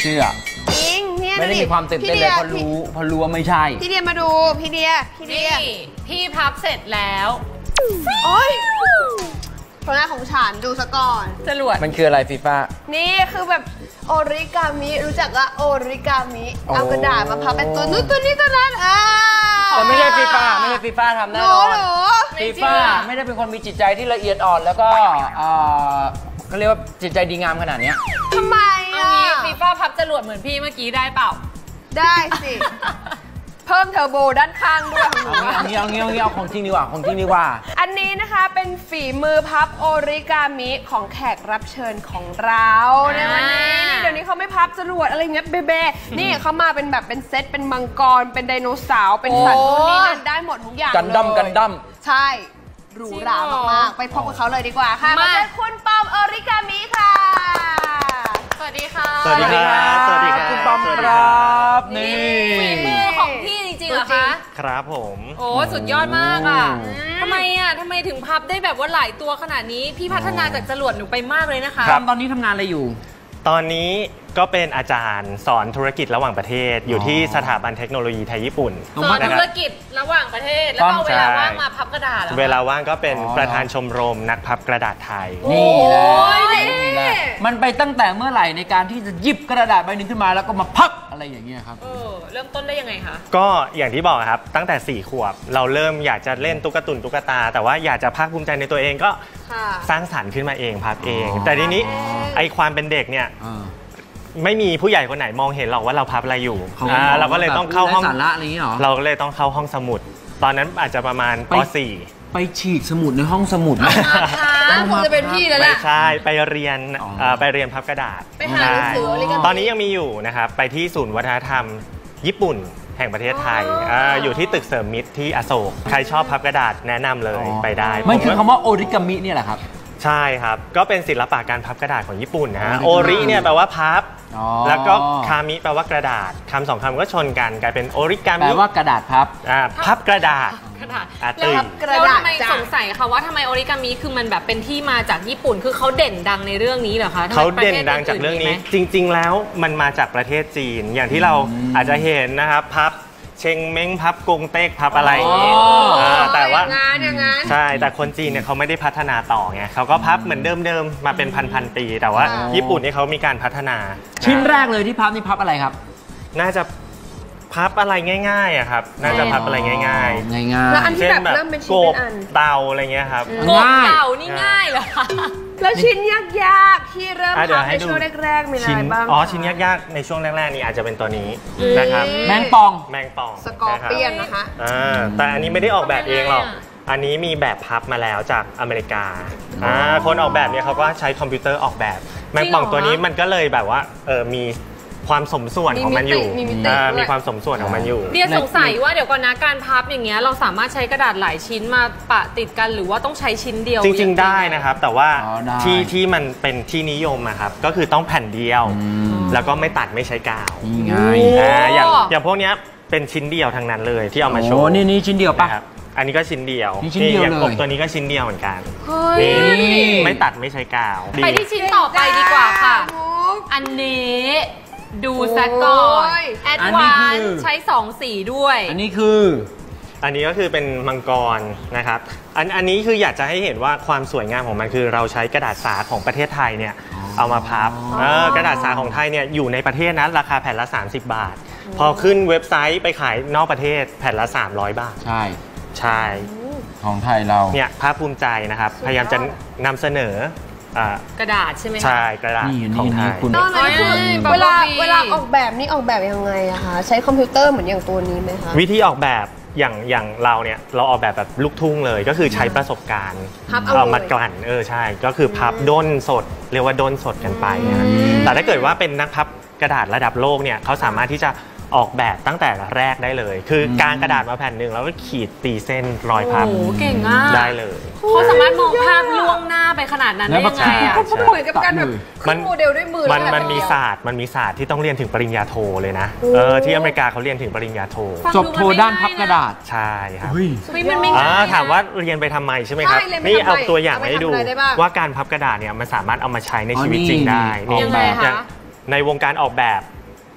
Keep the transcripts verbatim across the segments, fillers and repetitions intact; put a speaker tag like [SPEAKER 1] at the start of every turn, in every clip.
[SPEAKER 1] ชื่อ
[SPEAKER 2] จริงเนี่ย
[SPEAKER 1] ไม่ได้มีความตื่นเต้นเลยเพราะรู้เพราะรู้ว่าไม่ใช่
[SPEAKER 2] พี่เดียมาดูพี่เดียพี่เดีย
[SPEAKER 3] พี่พับเสร็จแล้ว
[SPEAKER 2] โอ้ยผลงานของฉันดูซะก่อน
[SPEAKER 3] จรวด
[SPEAKER 1] มันคืออะไรฟีฟ่า
[SPEAKER 2] นี่คือแบบโอริกามิรู้จักว่าโอริกามิเอากระดาษมาพับเป็นตัวนู้นตัวนี้ตัวนั้นอ่า
[SPEAKER 1] แต่ไม่ใช่ฟีฟ่าไม่ใช่ฟีฟ่าทำแน่นอนฟีฟ่าไม่ได้เป็นคนมีจิตใจที่ละเอียดอ่อนแล้วก็เขาเรียกว่าจิตใจดีงามขนาดนี้
[SPEAKER 2] ทำไมอ่ะ
[SPEAKER 3] ฟีฟ่าพับจรวดเหมือนพี่เมื่อกี้ได้เปล่า
[SPEAKER 2] ได้สิเพิ่มเทอร์โบด้านข้างด้วย
[SPEAKER 1] เอางี้เอางี้เอางี้เอาของจริงดีกว่าของจริงดีกว่า
[SPEAKER 2] อันนี้นะคะเป็นฝีมือพับโอริกามิของแขกรับเชิญของเราในวันนี้นี่เดี๋ยวนี้เขาไม่พับจรวดอะไรเงี้ยเบเบ้นี่เขามาเป็นแบบเป็นเซตเป็นมังกรเป็นไดโนเสาร์เป็นสัตว์ตัวนี้นั่นได้หมดทุกอย่าง
[SPEAKER 1] กันดั้มกันดั้ม
[SPEAKER 2] ใช่หรูหรามากๆไปพบกับเขาเลยดีกว่าค่ะมาเจอคุณปอมโอริกามิค่ะ
[SPEAKER 3] สวัสดีค่ะ
[SPEAKER 1] สวัสดีครับสวัสดีครับคุณปอมครับนี่
[SPEAKER 3] ฝีมือของพี่จริงๆเหรอคะ
[SPEAKER 4] ครับผม
[SPEAKER 3] โอ้สุดยอดมากอ่ะทำไมอ่ะทำไมถึงพับได้แบบว่าหลายตัวขนาดนี้พี่พัฒนาจากจรวดหนูไปมากเลยนะคะ
[SPEAKER 1] ตอนนี้ทำงานอะไรอยู่
[SPEAKER 4] ตอนนี้ก็เป็นอาจารย์สอนธุรกิจระหว่างประเทศอยู่ที่สถาบันเทคโนโลยีไทยญี่ปุ่น
[SPEAKER 3] สอนธุรกิจระหว่างประเทศแล้วก็เวลาว่างมาพับกระดาษ
[SPEAKER 4] เวลาว่างก็เป็นประธานชมรมนักพับกระดาษไทย
[SPEAKER 1] นี่แหละนี่แหละมันไปตั้งแต่เมื่อไหร่ในการที่จะหยิบกระดาษใบหนึ่งขึ้นมาแล้วก็มาพับอะไรอย่างเงี้ยครับ
[SPEAKER 3] เออเริ่มต้นได้ยังไงคะ
[SPEAKER 4] ก็อย่างที่บอกครับตั้งแต่สี่ขวบเราเริ่มอยากจะเล่นตุ๊กตุนตุ๊กตาแต่ว่าอยากจะภาคภูมิใจในตัวเองก็สร้างสรรค์ขึ้นมาเองพับเองแต่ทีนี้ไอความเป็นเด็กเนี่ยไม่มีผู้ใหญ่คนไหนมองเห็นหรอกว่าเราพับอะไรอยู่เราก็เลยต้องเข้าห้องเราก็เลยต้องเข้าห้องสมุดตอนนั้นอาจจะประมาณป .สี่
[SPEAKER 1] ไปฉีกสมุดในห้องสมุด
[SPEAKER 2] คงจะเป็นพี่แล้วแหละ
[SPEAKER 4] ไม่ใช่ไปเรียนไปเรียนพับกระดาษ
[SPEAKER 2] ไปหาหนังสือ
[SPEAKER 4] ตอนนี้ยังมีอยู่นะครับไปที่ศูนย์วัฒนธรรมญี่ปุ่นแห่งประเทศไทย อ, อยู่ที่ตึกเสริมมิตรที่อโศกใครชอบพับกระดาษแนะนำเลยไปได้
[SPEAKER 1] มันคือคำว่าโอริกามิเนี่ยแหละครับ
[SPEAKER 4] ใช่ครับก็เป็นศิลปะการพับกระดาษของญี่ปุ่นนะฮะโอริเนี่ยแปลว่าพับแล้วก็คามิแปลว่ากระดาษคำสองคำก็ชนกันกลายเป็นโอริกามิ
[SPEAKER 1] แปลว่ากระดาษพับ
[SPEAKER 4] พับกระดาษ
[SPEAKER 3] กระดาษแล้วทำไมสงสัยค่ะว่าทำไมโอริกามิคือมันแบบเป็นที่มาจากญี่ปุ่นคือเขาเด่นดังในเรื่องนี้เหรอคะ
[SPEAKER 4] เขาเด่นดังจากเรื่องนี้จริงๆแล้วมันมาจากประเทศจีนอย่างที่เราอาจจะเห็นนะครับพับเชงเม้งพับกงเต็กพับอะไรอย่างนี้แต่ว่าใช่แต่คนจีนเนี่ยเขาไม่ได้พัฒนาต่อไงเขาก็พับเหมือนเดิมๆมาเป็นพันๆปีแต่ว่าญี่ปุ่นนี่เขามีการพัฒนา
[SPEAKER 1] ชิ้นแรกเลยที่พับนี่พับอะไรครับ
[SPEAKER 4] น่าจะพับอะไรง่ายๆอะครับน่าจะพับอะไรง่ายๆง่
[SPEAKER 1] าย
[SPEAKER 2] ๆเช่นแบบ
[SPEAKER 4] โกบเตาอะไรเงี้ยครับ
[SPEAKER 3] โกบเตานี่ง่ายเหรอคะ
[SPEAKER 2] แล้วชิ้นยากๆที่เริ่มทำในช่วงแรกๆมีอะไรบ้าง
[SPEAKER 4] อ๋อชิ้นยากๆในช่วงแรกๆนี่อาจจะเป็นตัวนี้นะครับ
[SPEAKER 1] แมงปอง
[SPEAKER 4] แมงปอง
[SPEAKER 2] สกอร์เปียนนะคะ
[SPEAKER 4] แต่อันนี้ไม่ได้ออกแบบเองหรอกอันนี้มีแบบพับมาแล้วจากอเมริกาคนออกแบบเนี่ยเขาก็ใช้คอมพิวเตอร์ออกแบบแมงปองตัวนี้มันก็เลยแบบว่าเออมีความสมส่วนของมันอยู่มีความสมส่วนของมันอยู่
[SPEAKER 3] เดียสงสัยว่าเดี๋ยวก่อนนะการพับอย่างเงี้ยเราสามารถใช้กระดาษหลายชิ้นมาปะติดกันหรือว่าต้องใช้ชิ้นเดียว
[SPEAKER 4] จริงๆได้นะครับแต่ว่าที่ที่มันเป็นที่นิยมอะครับก็คือต้องแผ่นเดียวแล้วก็ไม่ตัดไม่ใช้กาว
[SPEAKER 1] ง่าย
[SPEAKER 4] อย่างอย่างพวกนี้เป็นชิ้นเดียวทั้งนั้นเลยที่เอามาโชว์
[SPEAKER 1] นี่นี่ชิ้นเดียวปะ
[SPEAKER 4] อันนี้ก็ชิ้นเดียว
[SPEAKER 1] นี่ชิ้นเดียวเลย
[SPEAKER 4] ตัวนี้ก็ชิ้นเดียวเหมือนกัน
[SPEAKER 3] นี่
[SPEAKER 4] ไม่ตัดไม่ใช้กาว
[SPEAKER 3] ไปที่ชิ้นต่อไปดีกว่าค่ะอันนี้ดูซะก่อนแอดวานซ์ใช้สองสีด้วย
[SPEAKER 1] อันนี้คือ
[SPEAKER 4] อันนี้ก็คือเป็นมังกรนะครับอันอันนี้คืออยากจะให้เห็นว่าความสวยงามของมันคือเราใช้กระดาษสาของประเทศไทยเนี่ยเอามาพับกระดาษสาของไทยเนี่ยอยู่ในประเทศนั้นราคาแผ่นละสามสิบบาทพอขึ้นเว็บไซต์ไปขายนอกประเทศแผ่นละสามร้อยบาท
[SPEAKER 1] ใช่
[SPEAKER 4] ใช่
[SPEAKER 1] ของไทยเรา
[SPEAKER 4] เนี่ยภาคภูมิใจนะครับพยายามจะนำเสน
[SPEAKER 3] อกระดาษใช่ไหม
[SPEAKER 4] ใช่กระดาษของไทย
[SPEAKER 2] เวลาเวลาออกแบบนี่ออกแบบยังไงอะคะใช้คอมพิวเตอร์เหมือนอย่างตัวนี้ไหมคะ
[SPEAKER 4] วิธีออกแบบอย่างอย่างเราเนี่ยเราออกแบบแบบลูกทุ่งเลยก็คือใช้ประสบการณ์เอามากลั่นเออใช่ก็คือพับด้นสดเรียกว่าด้นสดกันไปนะแต่ถ้าเกิดว่าเป็นนักพับกระดาษระดับโลกเนี่ยเขาสามารถที่จะออกแบบตั้งแต่แรกได้เลยคือการกระดาษมาแผ่นหนึ่งแล้วก็ขีดตีเส้นรอยพับ
[SPEAKER 3] เก่งมาก
[SPEAKER 4] ได้เลย
[SPEAKER 3] เขาสามารถมองภาพล่วงหน้าไปขนาดนั้นได้ยังไงอ่ะ
[SPEAKER 2] เหมือนกับการแบบขึ้นโมเดลด้วยมือ
[SPEAKER 4] มันมันมีศาสตร์มันมีศาสตร์ที่ต้องเรียนถึงปริญญาโทเลยนะเออที่อเมริกาเขาเรียนถึงปริญญาโท
[SPEAKER 1] จบโทด้านพับกระดาษ
[SPEAKER 4] ใช่ครับ
[SPEAKER 3] มันไม่ง่าย
[SPEAKER 4] ถามว่าเรียนไปทำไมใช่ไหมครับนี่เอาตัวอย่างให้ดูว่าการพับกระดาษเนี่ยมันสามารถเอามาใช้ในชีวิตจริงได้
[SPEAKER 3] ยังไงคะ
[SPEAKER 4] ในวงการออกแบบ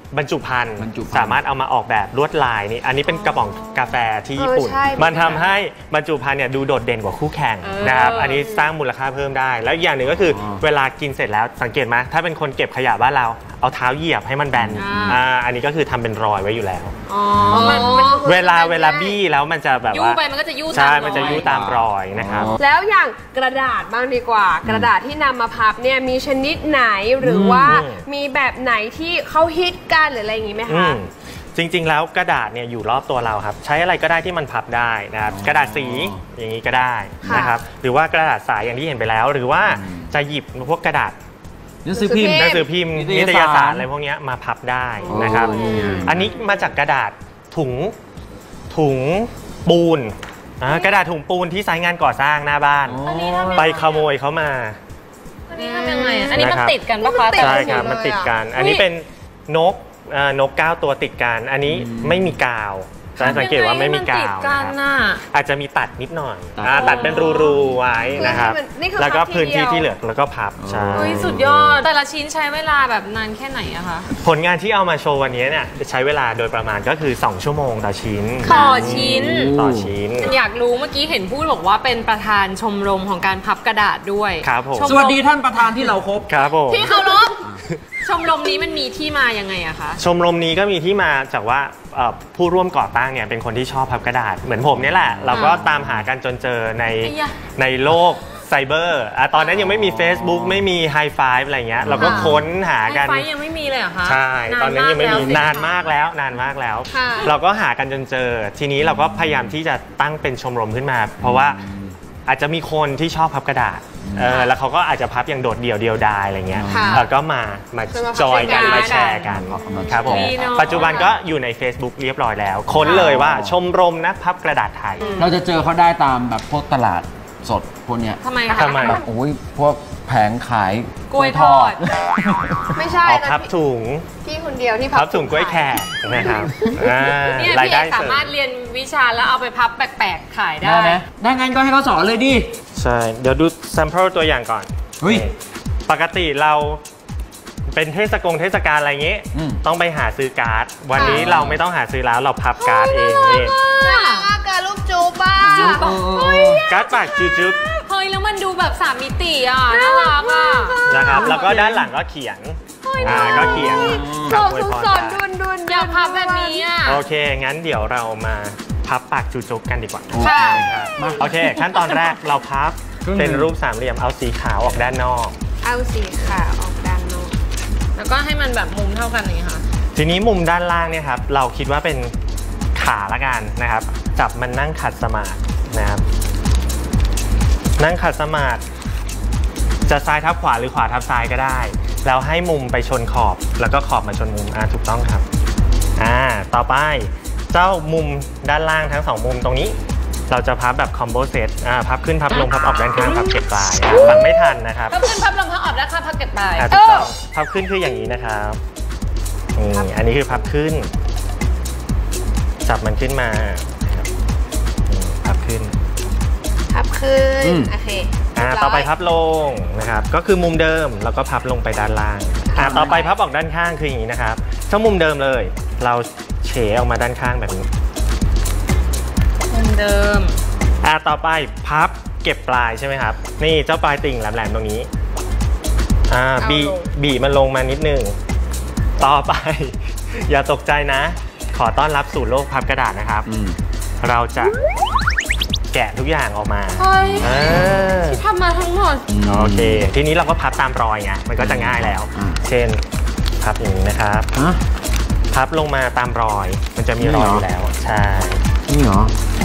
[SPEAKER 4] บรรจุภัณฑ์
[SPEAKER 1] บรรจุภัณฑ์
[SPEAKER 4] สามารถเอามาออกแบบลวดลายนี่อันนี้เป็นกระป๋องกาแฟที่ญี่ปุ่น
[SPEAKER 2] เออใช่
[SPEAKER 4] มันทำให้บรรจุภัณฑ์เนี่ยดูโดดเด่นกว่าคู่แข่ง
[SPEAKER 3] เออ
[SPEAKER 4] นะครับอันนี้สร้างมูลค่าเพิ่มได้ แล้วอีกอย่างหนึ่งก็คืออเวลากินเสร็จแล้วสังเกตไหมถ้าเป็นคนเก็บขยะบ้านเราเอาเท้าเหยียบให้มันแบนอ่าอันนี้ก็คือทำเป็นรอยไว้อยู่แล้ว
[SPEAKER 3] อ๋อมันมัน
[SPEAKER 4] เวลาเวลาบี้แล้วมันจะแบบ
[SPEAKER 3] ยู่
[SPEAKER 4] ว่า
[SPEAKER 3] ไปมันก็จะยู่ตาม
[SPEAKER 4] ใช่
[SPEAKER 3] รอย
[SPEAKER 4] มันจะยู่ตามรอยนะครับ
[SPEAKER 2] แล้วอย่างกระดาษบ้างดีกว่า กระดาษที่นำมาพับเนี่ยมีชนิดไหนหรือว่า
[SPEAKER 4] อืม
[SPEAKER 2] มีแบบไหนที่เขาฮิตกันหรืออะไรอย่างงี้ไหม
[SPEAKER 4] อื
[SPEAKER 2] คะ
[SPEAKER 4] มจริงๆแล้วกระดาษเนี่ยอยู่รอบตัวเราครับใช้อะไรก็ได้ที่มันพับได้นะครับกระดาษสีอย่างนี้ก็ได้นะครับหรือว่ากระดาษสายอย่างที่เห็นไปแล้ว หรือว่าจะหยิบพวกกระดาษ
[SPEAKER 1] หนังสือพิมพ์
[SPEAKER 4] หนังสือพิมพ์
[SPEAKER 1] นิ
[SPEAKER 4] นิ
[SPEAKER 1] ต
[SPEAKER 4] ต
[SPEAKER 1] ย
[SPEAKER 4] ย
[SPEAKER 1] สาร
[SPEAKER 4] สารอะไรพวกเนี้ยมาพับได้นะครับ
[SPEAKER 1] โอ้นี่ไง
[SPEAKER 4] อันนี้มาจากกระดาษถุงถุงปูนอ่ากระดาษถุงปูนที่ไซต์งานก่อสร้างหน้าบ้าน
[SPEAKER 3] อันนี้ทำยังไง
[SPEAKER 4] ไปขโมยเขามา
[SPEAKER 3] อันนี้ทำยังไงอะอันนี้มัน
[SPEAKER 4] นะครับ
[SPEAKER 3] ติดกันปะคะ
[SPEAKER 4] ใช่ครับ
[SPEAKER 2] หมดเลย
[SPEAKER 4] มันติดกัน
[SPEAKER 2] อะ
[SPEAKER 4] อันนี้เป็นนกเอ่อนกเก้าตัวติดกัน อันนี้ไม่มีกาวจะสังเกตว่าไม่มีกาว
[SPEAKER 3] ติดกัน
[SPEAKER 4] นะครับ
[SPEAKER 3] น่ะ
[SPEAKER 4] อาจจะมีตัดนิดหน่อย
[SPEAKER 1] ตัด
[SPEAKER 4] อ่าตัดเป็นรูๆไว้นะครับ
[SPEAKER 2] นี่คือ
[SPEAKER 4] แล้วก็
[SPEAKER 2] พับที
[SPEAKER 4] พื้นที่
[SPEAKER 2] เดียว
[SPEAKER 4] ที่เหลือแล้วก็พับใช่
[SPEAKER 3] เฮ้ยสุดยอด แต่ละชิ้นใช้เวลาแบบนานแค่ไหนอะคะ
[SPEAKER 4] ผลงานที่เอามาโชว์วันนี้เนี่ยใช้เวลาโดยประมาณก็คือสองชั่วโมงต่อชิ้น
[SPEAKER 3] ต่อชิ้น
[SPEAKER 4] ต่อชิ้น
[SPEAKER 3] อยากรู้เมื่อกี้เห็นพูดบอกว่าเป็นประธานชมรมของการพับกระดาษด้วย
[SPEAKER 4] ครับผม
[SPEAKER 3] ชม
[SPEAKER 1] สวัสดีท่านประธานที่เราครบ
[SPEAKER 4] ครับผม
[SPEAKER 3] พี่เคารพชมรมนี้มันมีที่มายังไงอะคะ
[SPEAKER 4] ชมรมนี้ก็มีที่มาจากว่าเอ่อผู้ร่วมก่อตั้งเนี่ยเป็นคนที่ชอบพับกระดาษเหมือนผมเนี่ยแหละ เราก็ตามหากันจนเจอใน
[SPEAKER 3] ไอ้ยะ
[SPEAKER 4] ในโลกไซเบอร์อ่ะตอนนั้นยังไม่มี Facebook ไม่มีไฮไฟว์อะไรเงี้ยเราก็ค้นหากัน
[SPEAKER 3] ไฟยังไม่มีเลยเหรอคะ
[SPEAKER 4] ใช่ ตอนนั้นยังไม่มี
[SPEAKER 3] แล้วสิ
[SPEAKER 4] นานมากแล้วนานมากแล้ว
[SPEAKER 2] ค่ะ
[SPEAKER 4] เราก็หากันจนเจอ ทีนี้เราก็พยายามที่จะตั้งเป็นชมรมขึ้นมา เพราะว่าอาจจะมีคนที่ชอบพับกระดาษเออแล้วเขาก็อาจจะพับอย่างโดดเดี่ยวเดียวดายอะไรเงี้ย
[SPEAKER 2] ค่ะ
[SPEAKER 4] แล้วก็มามา
[SPEAKER 2] จะมาพับ
[SPEAKER 4] จอยกัน
[SPEAKER 2] ด้วยกัน
[SPEAKER 4] มาแชร์กันครับผม
[SPEAKER 3] ดีเนอะ
[SPEAKER 4] ปัจจุบันก็อยู่ใน Facebook เรียบร้อยแล้ว ค้นเลยว่าชมรมนักพับกระดาษไทย
[SPEAKER 1] เราจะเจอเขาได้ตามแบบพวกตลาดสดพวกเนี้ย
[SPEAKER 3] ทำไมคะ
[SPEAKER 4] ทำไม
[SPEAKER 1] แบบโอ้ยพวกแผงขาย
[SPEAKER 3] กล้วยทอด
[SPEAKER 2] ไม่ใช่
[SPEAKER 4] ออก
[SPEAKER 2] นะ
[SPEAKER 4] พับถุง
[SPEAKER 2] พี่คนเดียวที่
[SPEAKER 4] พับถุงกล้วยแขกนะครับอ่า
[SPEAKER 3] เนี่ย
[SPEAKER 4] ราย
[SPEAKER 3] พี่เอ
[SPEAKER 4] ได้
[SPEAKER 3] ก
[SPEAKER 4] เส
[SPEAKER 3] สา
[SPEAKER 4] ริม
[SPEAKER 3] มารถเรียนวิชาแล้วเอาไปพับแปลกๆขายได้
[SPEAKER 1] ได้ไหมได้งั้นก็ให้เขาสอนเลยดิ
[SPEAKER 4] ใช่ เดี๋ยวดู sample ตัวอย่างก่อน
[SPEAKER 1] เฮ้ย
[SPEAKER 4] ปกติเราเป็นเทศกงเทศกาลอะไรเงี้ย
[SPEAKER 1] อืม
[SPEAKER 4] ต้องไปหาซื้อการ์ด วันนี้เราไม่ต้องหาซื้อแล้วเราพับการ์ดเองนี่
[SPEAKER 2] ว่าการรูปจูบบ้า
[SPEAKER 1] เออ
[SPEAKER 4] การ์ดปากจุ๊บ
[SPEAKER 3] เฮ้ยแล้วมันดูแบบสามมิติอ่ะน่ารักอ่ะ
[SPEAKER 4] ๆนะครับ แล้วก็ด้านหลังก็เขียนอ่าก็เขียน
[SPEAKER 2] ส
[SPEAKER 4] กับ
[SPEAKER 2] ด
[SPEAKER 4] อวยพร
[SPEAKER 2] สด
[SPEAKER 4] ได้
[SPEAKER 2] ดุนดุน
[SPEAKER 3] อยากพับแบบนี้อ่ะ
[SPEAKER 4] โอเค งั้นเดี๋ยวเรามาพับปากจุ๊บๆกันดีกว่า
[SPEAKER 3] ค่ะ
[SPEAKER 1] มา
[SPEAKER 4] โอเค ขั้นตอนแรกเราพับ
[SPEAKER 1] ครึ่งหนึ่ง
[SPEAKER 4] เป็นรูปสามเหลี่ยมเอาสีขาวออกด้านนอก
[SPEAKER 2] เอาสีขาวออกด้านนอก
[SPEAKER 3] แล้วก็ให้มันแบบมุมเท่ากันอย่างนี้ค่ะ
[SPEAKER 4] ทีนี้มุมด้านล่างเนี่ยครับเราคิดว่าเป็นขาละกันนะครับ จับมันนั่งขัดสมาธินะครับ นั่งขัดสมาธิจะซ้ายทับขวาหรือขวาทับซ้ายก็ได้ แล้วให้มุมไปชนขอบแล้วก็ขอบมาชนมุมอ่าถูกต้องครับอ่าต่อไปเจ้ามุมด้านล่างทั้งสองมุมตรงนี้ เราจะพับแบบคอมโบเซตอ่าพับขึ้นพับลงพับออกด้านข้างพับเก็บปลายอ่ะฟังไม่ทันนะครับ
[SPEAKER 3] พับขึ้นพับลงพับออกด้านข้างพับเก็บไป
[SPEAKER 4] อ่ะถูกต้องพับขึ้นคืออย่างนี้นะครับนี่อันนี้คือพับขึ้น จับมันขึ้นมาครับนี่พับขึ้น
[SPEAKER 2] พับขึ้น
[SPEAKER 1] อืม
[SPEAKER 2] โอเค
[SPEAKER 4] อ่า
[SPEAKER 2] เรียบร้ย
[SPEAKER 4] ต่อไปพับลงนะครับก็คือมุมเดิมแล้วก็พับลงไปด้านล่างอ่าต่อไปพับออกด้านข้างคืออย่างนี้นะครับถ้ามุมเดิมเลย เราเฉออกมาด้านข้างแบบนี้
[SPEAKER 3] มุมเดิม
[SPEAKER 4] อ่าต่อไปพับเก็บปลายใช่ไหมครับนี่เจ้าปลายติ่งแหลมๆตรงนี้อ่าบีบีมันลงมานิดนึงต่อไป อย่าตกใจนะ ขอต้อนรับสู่โลกพับกระดาษนะครับ
[SPEAKER 1] อืม
[SPEAKER 4] เราจะแกะทุกอย่างออกมา
[SPEAKER 3] เฮ้ย
[SPEAKER 4] เออ
[SPEAKER 3] ที่ทำมาทั้งหมด
[SPEAKER 4] โอเค ทีนี้เราก็พับตามรอยไงมันก็จะง่ายแล้ว
[SPEAKER 1] อ่า
[SPEAKER 4] เช่น พับอย่างนี้นะครับ
[SPEAKER 1] ฮะ
[SPEAKER 4] พับลงมาตามรอย มันจะมีรอยอยู่แล้ว ใช่
[SPEAKER 1] นี่เหรอ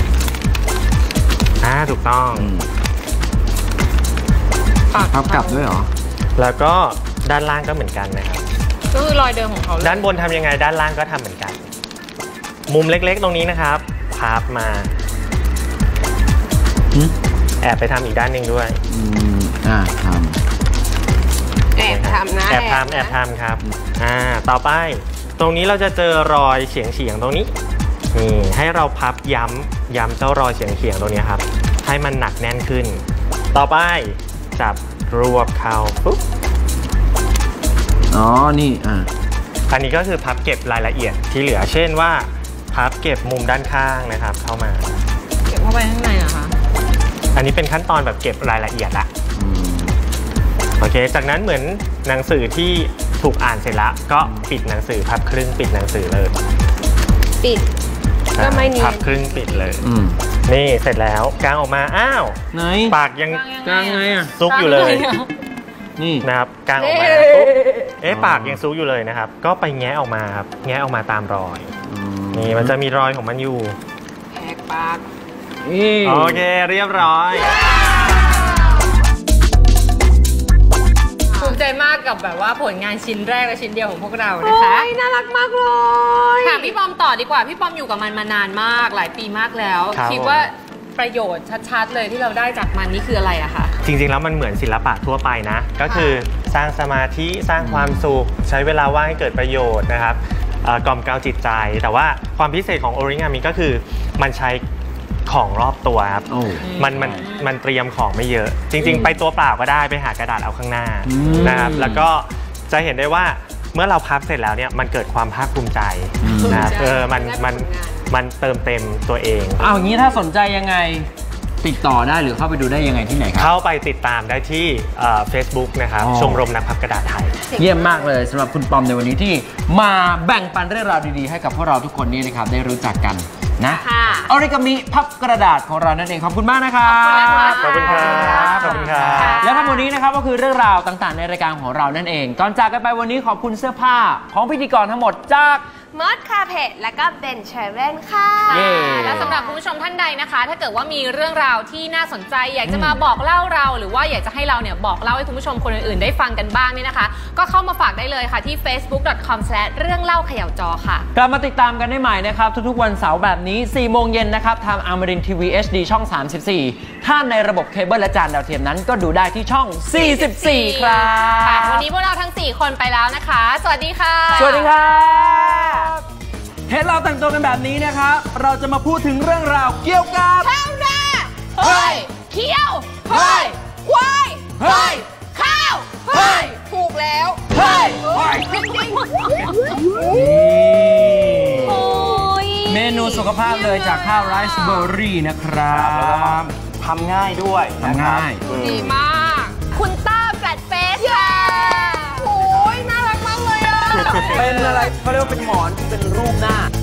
[SPEAKER 4] อ่าถูกต้อง
[SPEAKER 1] อืมพับกลับด้วยเหรอ
[SPEAKER 4] แล้วก็ด้านล่างก็เหมือนกันนะครับ
[SPEAKER 3] ก็คือรอยเดิมของเขาเลย
[SPEAKER 4] ด้านบนทำยังไงด้านล่างก็ทำเหมือนกัน มุมเล็กๆตรงนี้นะครับ พับมา
[SPEAKER 1] หึ
[SPEAKER 4] แอบไปทำอีกด้านหนึ่งด้วย
[SPEAKER 1] อืมอ่าท
[SPEAKER 2] แอบทำนะ
[SPEAKER 4] แอบทำแอบทำครับ อ่า ต่อไป ตรงนี้เราจะเจอรอยเฉียงเฉียงๆตรงนี้ นี่ ให้เราพับย้ำย้ำเจ้ารอยเฉียงเฉียงๆตรงนี้ครับ ให้มันหนักแน่นขึ้น ต่อไป จับรวบเข้าปุ๊บ
[SPEAKER 1] ำอ๋อ นี่ อ่า
[SPEAKER 4] อันนี้ก็คือพับเก็บรายละเอียดที่เหลือเช่นว่าพับเก็บมุมด้านข้างนะครับเข้ามา
[SPEAKER 3] เก็บเข้าไปข้างในเหรอคะ
[SPEAKER 4] อันนี้เป็นขั้นตอนแบบเก็บรายละเอียดละโอเคจากนั้นเหมือนหนังสือที่ถูกอ่านเสร็จแล้วก็ปิดหนังสือพับครึ่งปิดหนังสือเลย
[SPEAKER 2] ปิดก็ไม่เนียน
[SPEAKER 4] พับครึ่งปิดเลย
[SPEAKER 1] อืม
[SPEAKER 4] นี่เสร็จแล้วกางออกมาอ้าว
[SPEAKER 1] ไหน
[SPEAKER 4] ปากยัง
[SPEAKER 1] กลางไงอ่ะ
[SPEAKER 4] ซุกอยู่เลย
[SPEAKER 1] นี่
[SPEAKER 4] นะครับกางออกมาปุ๊บเอ๊ะปากยังซุกอยู่เลยนะครับก็ไปแงะออกมาครับแงะออกมาตามรอยนี่มันจะมีรอยของมันอยู่
[SPEAKER 2] แหกปาก
[SPEAKER 1] นี่
[SPEAKER 4] โอเคเรียบร้อย
[SPEAKER 3] ภูมิใจมากกับแบบว่าผลงานชิ้นแรกและชิ้นเดียวของพวกเรา
[SPEAKER 2] โอ้
[SPEAKER 3] นะคะ
[SPEAKER 2] ยน่ารักมากเลย
[SPEAKER 3] ถามพี่ปอมต่อดีกว่าพี่ปอมอยู่กับมันมานานมากหลายปีมากแล้ว
[SPEAKER 4] ครับ
[SPEAKER 3] คิดว่าประโยชน์ชัดๆเลยที่เราได้จากมันนี่คืออะไรอะคะ
[SPEAKER 4] จริงๆแล้วมันเหมือนศิลปะทั่วไปนะก็คือสร้างสมาธิสร้างความสุขใช้เวลาว่างให้เกิดประโยชน์นะครับเอ่อกล่อมเกลาจิตใจ แต่ว่าความพิเศษของโอริงามิก็คือมันใช้ของรอบตัวครับ
[SPEAKER 1] โอ้
[SPEAKER 4] มันมันมันเตรียมของไม่เยอะ จริง ๆ ไปตัวเปล่าก็ได้ไปหากระดาษเอาข้างหน้า
[SPEAKER 1] อืม
[SPEAKER 4] นะครับแล้วก็จะเห็นได้ว่าเมื่อเราพับเสร็จแล้วเนี่ยมันเกิดความภาคภูมิใจ
[SPEAKER 1] อืม
[SPEAKER 4] นะครับเออมัน
[SPEAKER 2] ได้
[SPEAKER 4] มัน
[SPEAKER 2] ผลงาน
[SPEAKER 4] มันเติมเต็มตัวเอง
[SPEAKER 1] เอาอย่างนี้ถ้าสนใจยังไงติดต่อได้หรือเข้าไปดูได้ยังไงที่ไหนครับ
[SPEAKER 4] เข้าไปติดตามได้ที่เฟซบุ๊กนะครับ
[SPEAKER 1] อ๋อ
[SPEAKER 4] ชมรมนักพับกระดาษไทย
[SPEAKER 1] เยี่ยมมากเลยสำหรับคุณปอมในวันนี้ที่มาแบ่งปันเรื่องราวดีๆให้กับพวกเราทุกคนนี้นะครับได้รู้จักกันนะ
[SPEAKER 2] ค่ะ
[SPEAKER 1] ออริกามิพับกระดาษของเรานั่นเองขอบคุณมากนะครับ
[SPEAKER 4] ขอบคุณครับขอบคุณครับ
[SPEAKER 1] และทั้งหมดนี้นะครับก็คือเรื่องราวต่างๆในรายการของเรานั่นเองก่อนจากกันไปวันนี้ขอบคุณเสื้อผ้าของพิธีกรทั้งหมดจาก
[SPEAKER 2] มอสคาเพจและก็เบนเชเว่นค่ะ
[SPEAKER 1] เย้
[SPEAKER 3] และสำหรับคุณผู้ชมท่านใดนะคะ ถ้าเกิดว่ามีเรื่องราวที่น่าสนใจ อยากจะมาบอกเล่าเราหรือว่าอยากจะให้เราเนี่ยบอกเล่าให้คุณผู้ชมคนอื่นๆได้ฟังกันบ้างเนี่ยนะคะ ก็เข้ามาฝากได้เลยค่ะที่ เฟซบุ๊ก ดอท คอม สแลช เรื่องเล่าเขย่าจอค่ะ
[SPEAKER 1] กลับมาติดตามกันได้ใหม่นะครับทุกๆวันเสาร์แบบนี้สี่โมงเย็นนะครับทางอมรินทีวี เอช ดี ช่อง สามสิบสี่ ถ้าในระบบเคเบิลและจานดาวเทียมนั้นก็ดูได้ที่ช่อง สี่สิบสี่ ครับ
[SPEAKER 3] ค่ะวันนี้พวกเราทั้งสี่คนไปแล้วนะคะ สวัสดีค่ะ
[SPEAKER 1] สวัสดีครับเห็นเราแต่งตัวกันแบบนี้นะครับ เราจะมาพูดถึงเรื่องราวเกี่ยวกับ
[SPEAKER 2] ข้าวหน้า
[SPEAKER 1] เฮ้ย
[SPEAKER 2] เคี้ยว
[SPEAKER 1] เฮ้ย
[SPEAKER 2] ควาย
[SPEAKER 1] เฮ้ย
[SPEAKER 2] ข้าว
[SPEAKER 1] เฮ้ย
[SPEAKER 2] ถูกแล้ว
[SPEAKER 1] เฮ้ย
[SPEAKER 2] จริงจริง
[SPEAKER 3] โอ้ย
[SPEAKER 1] เมนูสุขภาพเลยจากข้าวไรซ์เบอร์รี่นะครับ
[SPEAKER 4] ทำง่ายด้วย
[SPEAKER 1] ทำง่าย
[SPEAKER 2] ดีมาก คุณต้าแฟลตเฟสค่ะโอ้ยน่ารักมากเลยอ่ะ
[SPEAKER 1] เป็นอะไรเขาเรียกว่าเป็นหมอนที่เป็นรูปหน้า